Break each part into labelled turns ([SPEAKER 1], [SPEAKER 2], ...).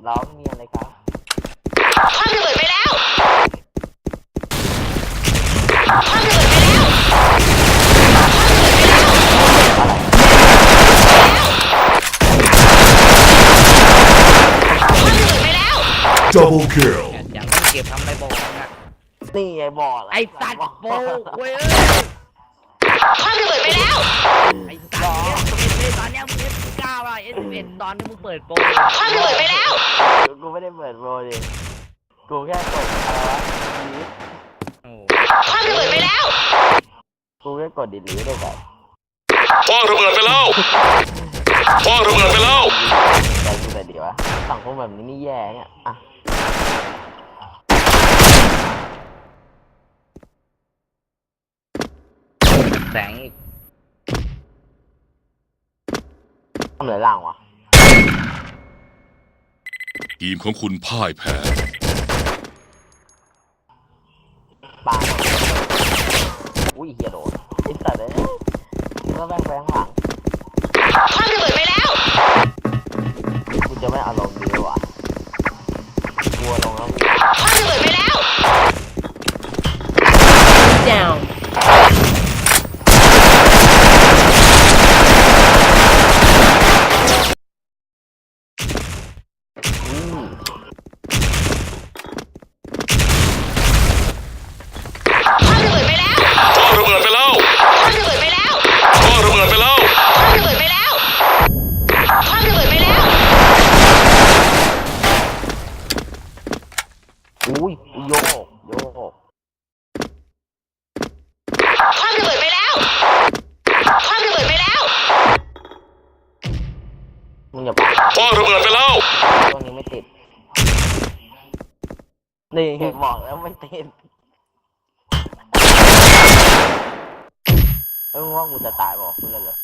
[SPEAKER 1] ร้องมีอะไรครับ
[SPEAKER 2] คว้างระเบิดไปแล้วคว้างระเบิดไปแล้ว
[SPEAKER 3] Double kill
[SPEAKER 4] อย่างต้องเก็บทำอะไรบอกนะ
[SPEAKER 1] นี่ไงบอก
[SPEAKER 4] ไอ้สัตว์โป้เว้ย
[SPEAKER 2] คว้างระเบิดไปแล้ว
[SPEAKER 4] ไอ้สัตว์เอสตอนนี้มึงF9อ่ะS11ตอนที่มึงเปิดโปร
[SPEAKER 2] คว้างระเบิดไปแล้ว
[SPEAKER 1] กูไม่ได้เปิดโปรดิกูแค่กดอะไรวะดี
[SPEAKER 2] คว้างระเบิดไปแล้ว
[SPEAKER 1] กูแค่กดดีได้แบบ
[SPEAKER 5] คว้างระเบิดไปแล้วคว้างระเบิดไปแล้ว
[SPEAKER 1] ใจกูแต่ดีวะสังคมแบบนี้นี่แย่เนี่ยอ่ะ
[SPEAKER 4] แสงอีก
[SPEAKER 1] ทำเหลือล่างวะ
[SPEAKER 5] ทีมของคุณพ่ายแพ้
[SPEAKER 1] ปาอุ้ยเฮียโดนไอ้สัตว์เลยก็แบงหลัง
[SPEAKER 2] คว้างระเบิดไปแล้ว
[SPEAKER 1] กูจะไม่เอาลงดีวะกลัวลงแล้ว
[SPEAKER 2] คว้างระเบิดไปแล้ว
[SPEAKER 6] down
[SPEAKER 2] คว้างระเบิดไปแล้ว
[SPEAKER 5] คว้างระเบิดไปแล้ว
[SPEAKER 2] คว้างระเบิดไปแล้ว
[SPEAKER 5] คว้างระเบิดไปแล้ว
[SPEAKER 2] คว้างระเบิดไปแล้วคว้างระเบิดไปแล้ว
[SPEAKER 1] อุ้ยโยก
[SPEAKER 2] คว้างระเบิดไปแล้วคว้างระเบิดไปแล้ว
[SPEAKER 1] มึงอย่าปา
[SPEAKER 5] คว้างระเบิดไปแล้ว
[SPEAKER 1] ตัวนี้ไม่ติดนี่บอกแล้วไม่ติดว่ากูจะตายบอกคุณเลย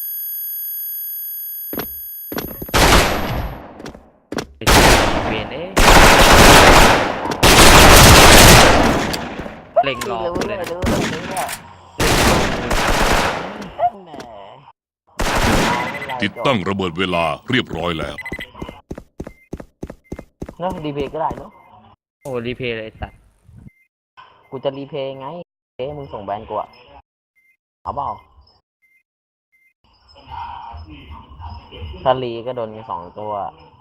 [SPEAKER 4] เวียนเล็งรอเลยนะ
[SPEAKER 5] ติดตั้งระเบิดเวลาเรียบร้อยแล้ว
[SPEAKER 1] เนาะรีเพย์ก็ได้เนาะ
[SPEAKER 4] โอ้รีเพย์เลยสัตว์
[SPEAKER 1] กูจะรีเพย์ไงมึงส่งแบนกูอะเอาเปล่าถ้ารีก็โดนกัน2 ตัว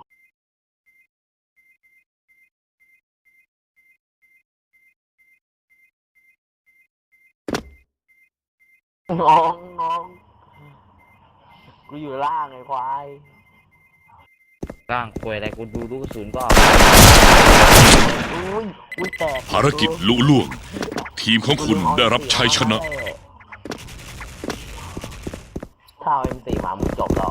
[SPEAKER 1] น้องกูอยู่ล่างไอ้ควาย
[SPEAKER 4] ร่างป่วยอะไรกูดูลูกกระสุนก็
[SPEAKER 1] อุ้ยแตก
[SPEAKER 5] ภารกิจลุล่วงทีมของคุณได้รับชัยชนะ
[SPEAKER 1] ถ้าเอา M4 มามึงจบแล้ว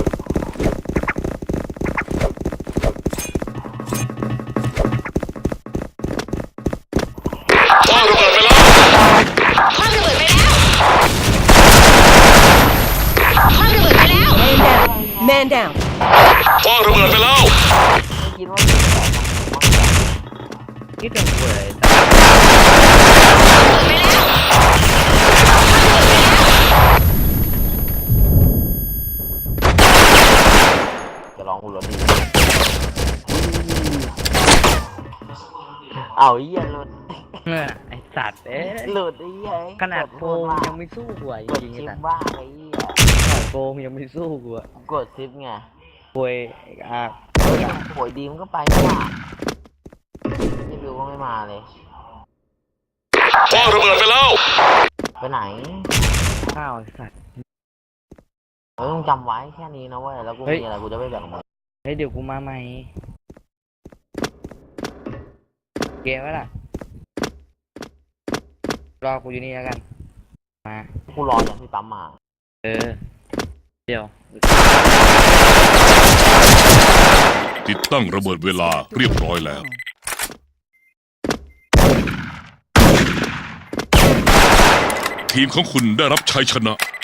[SPEAKER 5] คว้างระเบิดไปแล้ว
[SPEAKER 2] คว้างระเบิดไปแล้วคว้างระเบิดไปแล้ว
[SPEAKER 6] man down
[SPEAKER 5] คว้างระเบิดไปแล้ว
[SPEAKER 1] คิดว่า
[SPEAKER 4] คิดถึงป่วยอะไร
[SPEAKER 1] จะลองกูรถดีเอาเยี่ยหลุด
[SPEAKER 4] ไอสัตว์
[SPEAKER 1] หลุดไอ้เหี้ย
[SPEAKER 4] ขนาดโปรยังไม่สู้กูจริงๆนะ
[SPEAKER 1] บ้าไอ้เหี้ย
[SPEAKER 4] ขนาดโปรยังไม่สู้กู
[SPEAKER 1] กดซิปไง
[SPEAKER 4] ป่วย
[SPEAKER 1] ป่วยดีมันก็ไปไม่มาไม่รู้ว่าไม่มาเลย
[SPEAKER 5] คว้างระเบิดไปแล้ว
[SPEAKER 1] ไปไหน
[SPEAKER 4] ข้าวสัตว์
[SPEAKER 1] ต้องจำไว้แค่นี้นะเว้ยแล้วกูมีอะไรกูจะไม่แบ่งมึง
[SPEAKER 4] เฮ้ยเดี๋ยวกูมาใหม่เกมวะล่ะรอกูอยู่นี่แล้วกันมา
[SPEAKER 1] กูรออย่างที่ปั๊มมา
[SPEAKER 4] เดี๋ยว
[SPEAKER 5] ติดตั้งระเบิดเวลาเรียบร้อยแล้วทีมของคุณได้รับชัยชนะ